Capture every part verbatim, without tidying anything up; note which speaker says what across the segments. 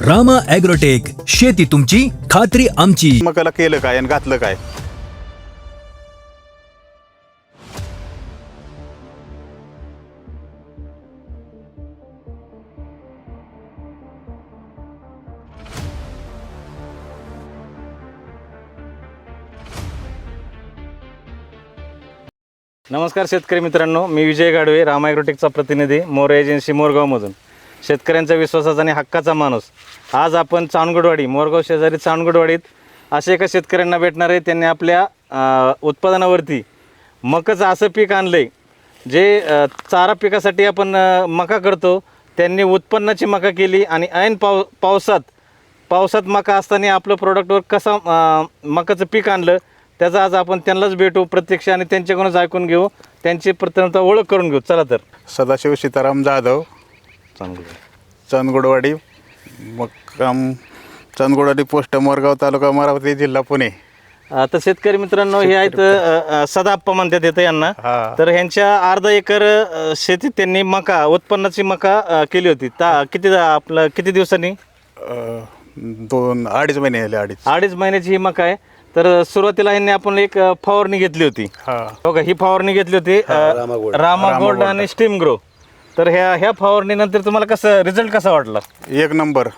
Speaker 1: Rama agrotech, शेती तुमची, खात्री आमची.
Speaker 2: मकाला केलं काय आणि घातलं काय?
Speaker 3: नमस्कार शेतकरी मित्रांनो, मी विजय गाडवे, रामा ॲग्रोटेकचा प्रतिनिधी, मोरे एजन्सी मोरगावमधून. शेतकऱ्यांच्या विश्वासाचा आणि हक्काचा माणूस. आज आपण चांदगडवाडी, मोरगाव शेजारी चांदगडवाडीत असे एका शेतकऱ्यांना भेटणार आहे. त्यांनी आपल्या उत्पादनावरती मकाचं असं पीक आणलं आहे जे चारा पिकासाठी आपण मका करतो. त्यांनी उत्पन्नाची मका केली आणि ऐन पाव पावसात पावसात मका असताना आपलं प्रोडक्टवर कसा मकाचं पीक आणलं त्याचा आज आपण त्यांनाच भेटू प्रत्यक्ष आणि त्यांच्याकडूनच ऐकून घेऊ, त्यांची प्रथमतः ओळख करून घेऊ. चला तर.
Speaker 2: सदाशिव सीताराम जाधव, चांदगडवाडी, मक्काम चांदगडवाडी, पोस्ट मोरगाव, तालुका अमरावती, जिल्हा पुणे.
Speaker 3: आता शेतकरी मित्रांनो, हे आहेत सदाप्पा म्हणतात येतं यांना. तर ह्यांच्या अर्धा एकर शेतीत त्यांनी मका, उत्पन्नाची मका केली होती. ता किती आपलं किती दिवसांनी?
Speaker 2: दोन अडीच महिने झाले. अडीच
Speaker 3: अडीच महिन्याची ही मका आहे. तर सुरुवातीला ह्यांनी आपण एक फवारणी घेतली होती. हो का, ही फवारणी घेतली होती रामा गोल्ड आणि स्टीम ग्रो. तर ह्या ह्या फवारणीनंतर तुम्हाला कसं रिझल्ट कसा वाटला?
Speaker 2: एक नंबर.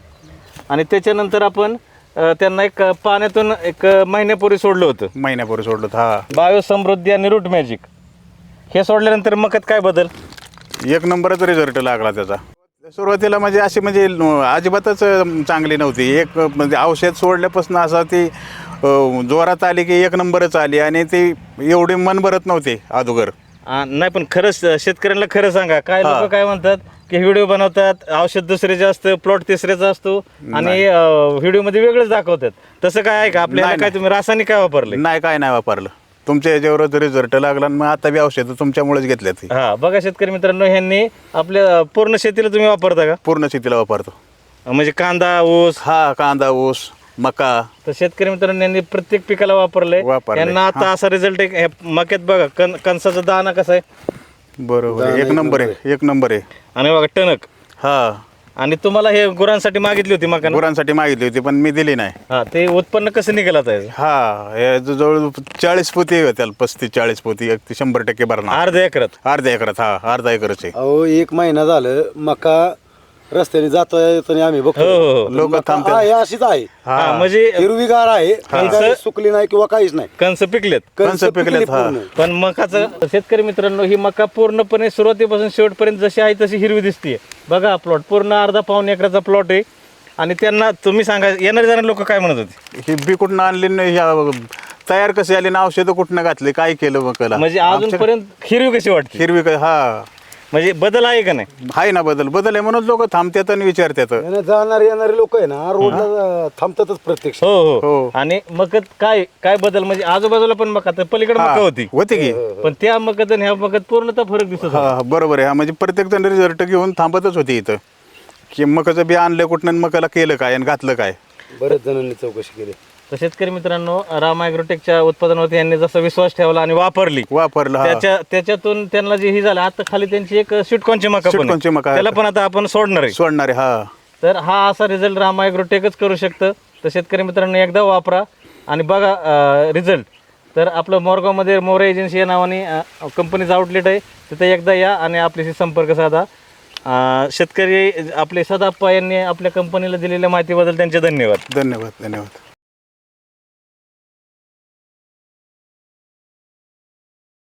Speaker 3: आणि त्याच्यानंतर आपण त्यांना एक पाण्यातून एक महिन्यापूर्वी सोडलं होतं.
Speaker 2: महिन्यापूर्वी सोडलं. हा,
Speaker 3: बायो समृद्धी आणि रूट मॅजिक हे सोडल्यानंतर मकात काय बदल?
Speaker 2: एक नंबरच रिझल्ट लागला त्याचा. सुरुवातीला म्हणजे अशी म्हणजे अजिबातच चांगली नव्हती. एक म्हणजे औषध सोडल्यापासून असं ती जोरात आली की एक नंबरच आली आणि ती एवढी मन भरत नव्हती अगोदर.
Speaker 3: नाही, पण खरंच शेतकऱ्यांना खरं सांगा, काय लोक काय म्हणतात की व्हिडिओ बनवतात, औषध दुसऱ्याचे असतं, प्लॉट तिसऱ्याचा असतो आणि व्हिडिओ मध्ये वेगळंच दाखवतात. तसं काय आहे का आपल्याला? काय तुम्ही रासायनिक काय वापरले?
Speaker 2: नाही, काय नाही वापरलं. तुमच्या याच्यावरच रिझल्ट लागला आणि मग आता बी औषध तुमच्यामुळेच घेतल्यात.
Speaker 3: हा बघा शेतकरी मित्रांनो, ह्यांनी आपल्या पूर्ण शेतीला तुम्ही वापरता का?
Speaker 2: पूर्ण शेतीला वापरतो.
Speaker 3: म्हणजे कांदा, ऊस?
Speaker 2: हा, कांदा, ऊस, मका.
Speaker 3: तर शेतकरी मित्रांनो, यांनी प्रत्येक पिकाला वापरलंय. यांना आता असा रिझल्ट आहे. मक्यात बघा कण कणसाचा दाना कसा आहे.
Speaker 2: बरोबर, एक नंबर आहे. एक नंबर आहे.
Speaker 3: आणि बघा टणक.
Speaker 2: हा,
Speaker 3: आणि तुम्हाला हे गुरांसाठी मागितली होती मका?
Speaker 2: गुरांसाठी मागितली होती पण मी दिली नाही.
Speaker 3: हा, ते उत्पन्न कसं निघालं आता?
Speaker 2: हा, हे जवळ चाळीस पोती त्याला, पस्तीस चाळीस पोती, एक शंभर टक्के भरणार.
Speaker 3: अर्ध्या एकरात?
Speaker 2: अर्ध्या एकरात. हा, अर्धा एकरच आहे.
Speaker 4: अहो, एक महिना झालं मका रस्त्याने जातो येताना आम्ही बघतो.
Speaker 2: लोक थांबतात.
Speaker 4: हे अशीच आहे.
Speaker 3: हा, म्हणजे
Speaker 4: हिरवीगार आहे, काही सुकली नाही किंवा काहीच नाही.
Speaker 3: कंस पिकलेत.
Speaker 2: कंस पिकलेत. हा,
Speaker 3: पण मकाचं शेतकरी मित्रांनो, ही मका पूर्णपणे सुरुवातीपासून शेवटपर्यंत जशी आहे तशी हिरवी दिसतीये. बघा प्लॉट पूर्ण अर्धा पाऊण एकराचा प्लॉट आहे. आणि त्यांना तुम्ही सांगा, येणारे जाणारे लोक काय म्हणत होते?
Speaker 2: ही बी कुठनं आणली नाही, तयार कशी आली ना, औषधं कुठनं घातली, काय केलं मकाला?
Speaker 3: म्हणजे अजूनपर्यंत हिरवी कशी वाटते?
Speaker 2: हिरवी. हा,
Speaker 3: म्हणजे बदल आहे का नाही?
Speaker 2: आहे ना, बदल. बदल आहे म्हणून लोक थांबतात आणि विचारतात.
Speaker 4: जाणारे येणारे लोक आहे ना, रोडला थांबतातच प्रत्यक्ष.
Speaker 3: हो हो.
Speaker 2: हो.
Speaker 3: आणि मकत काय काय बदल म्हणजे आजूबाजूला पण मका, तर पलीकडे मका होती
Speaker 2: होती की,
Speaker 3: पण त्या मकत आणि ह्या मकत पूर्णतः फरक दिसत होता.
Speaker 2: हा, बरोबर आहे. हा, म्हणजे प्रत्येक जण रिझल्ट घेऊन थांबतच होती इथं की मकाचं बी आणलं कुठनं, मकाला केलं काय आणि घातलं काय.
Speaker 4: बरेच जणांनी चौकशी केली.
Speaker 3: तर शेतकरी मित्रांनो, रामा ॲग्रोटेकच्या उत्पादनावरती यांनी जसा विश्वास ठेवला आणि वापरली,
Speaker 2: वापरलं.
Speaker 3: त्याच्या त्याच्यातून त्यांना जे ही झालं, आता खाली त्यांची एक स्वीटकॉर्नची मका पण आहे.
Speaker 2: स्वीटकॉर्नची मका आहे.
Speaker 3: त्याला पण आता आपण सोडणार आहे.
Speaker 2: सोडणारे. हा,
Speaker 3: तर हा असा रिझल्ट रामा ॲग्रोटेकच करू शकतं. तर शेतकरी मित्रांनो, एकदा वापरा आणि बघा रिझल्ट. तर आपलं मोरगावमध्ये मोरे एजन्सी या नावाने कंपनीचं आउटलेट आहे, तिथे एकदा या आणि आपल्याशी संपर्क साधा. शेतकरी आपले सदाप्पा यांनी आपल्या कंपनीला दिलेल्या माहितीबद्दल त्यांचे धन्यवाद.
Speaker 2: धन्यवाद. धन्यवाद.